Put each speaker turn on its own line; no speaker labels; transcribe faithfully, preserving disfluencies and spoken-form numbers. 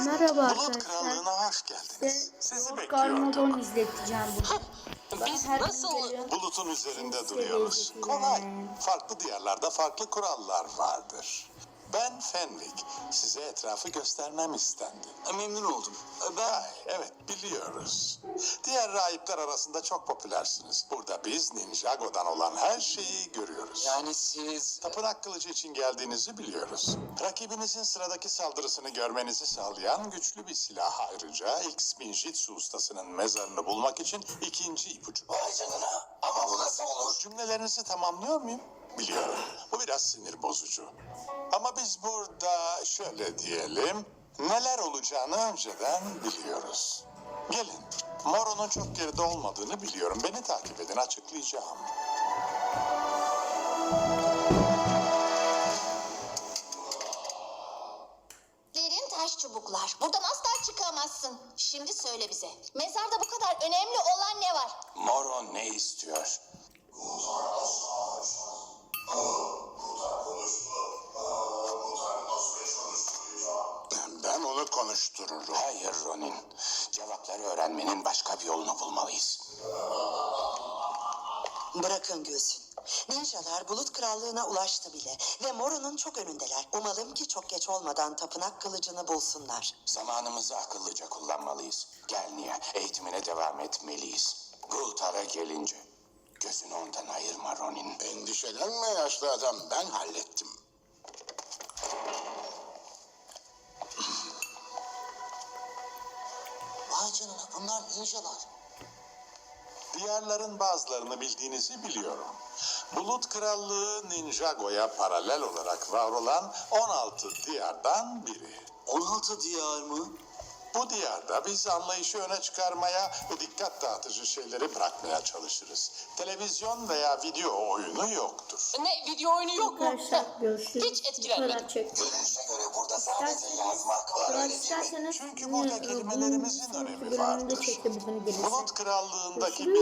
Merhaba
Bulut
arkadaşlar.
Krallığı'na hoş geldiniz.
Size
Sizi
Lord
bekliyordum.
Garmadon izleteceğim bugün.
Biz
her gün
nasıl-
geliyorum.
Bulutun üzerinde
Sizi
duruyoruz.
izleteceğim.
Kolay. Farklı diyarlarda farklı kurallar vardır. Ben Fenwick. Size etrafı göstermem istendi.
Memnun oldum. Ben
Ay, evet biliyoruz. Diğer rahipler arasında çok popülersiniz. Burada biz Ninjago'dan olan her şeyi görüyoruz.
yani siz
Tapınak kılıcı için geldiğinizi biliyoruz. Rakibinizin sıradaki saldırısını görmenizi sağlayan güçlü bir silah. Ayrıca X Ninjitsu ustasının mezarını bulmak için ikinci ipucu.
Vay canına, ama bu nasıl olur?
Cümlelerinizi tamamlıyor muyum? Biliyorum. Bu biraz sinir bozucu. Ama biz burada şöyle diyelim, neler olacağını önceden biliyoruz. Gelin, Moro'nun çok geride olmadığını biliyorum. Beni takip edin, açıklayacağım.
Derin taş çubuklar. Buradan asla çıkamazsın. Şimdi söyle bize. Mezarda bu kadar önemli olan ne var?
Moro ne istiyor?
Ben onu konuştururum.
Hayır Ronin. Cevapları öğrenmenin başka bir yolunu bulmalıyız.
Bırakın gülsün. Ninjalar Bulut Krallığı'na ulaştı bile ve Moro'nun çok önündeler. Umalım ki çok geç olmadan tapınak kılıcını bulsunlar.
Zamanımızı akıllıca kullanmalıyız. Gel Nia, eğitimine devam etmeliyiz. Gultar'a gelince gözünü ondan ayırma Ronin.
Endişelenme yaşlı adam, ben hallettim.
Vay canına, bunlar ninjalar.
Diyarların bazılarını bildiğinizi biliyorum. Bulut Krallığı Ninjago'ya paralel olarak var olan on altı diyardan biri.
on altı diyar mı?
Bu diyarda biz anlayışı öne çıkarmaya ve dikkat dağıtıcı şeyleri bırakmaya çalışırız. Televizyon veya video oyunu yoktur.
Ne, video oyunu yok mu?
Arkadaşlar görüşürüz.
Hiç
Bu
etkilenmedim.
kadar çektim.
Görünüşe göre burada sadece yazmak var,
Eğer
öyle değil mi?
isterseniz
Çünkü
yine,
burada
e,
kelimelerimizin
bunun
önemi
sonraki bölümünde
vardır.
çekebilirim gelirse.
Bulut Krallığı'ndaki
Görüşürüz.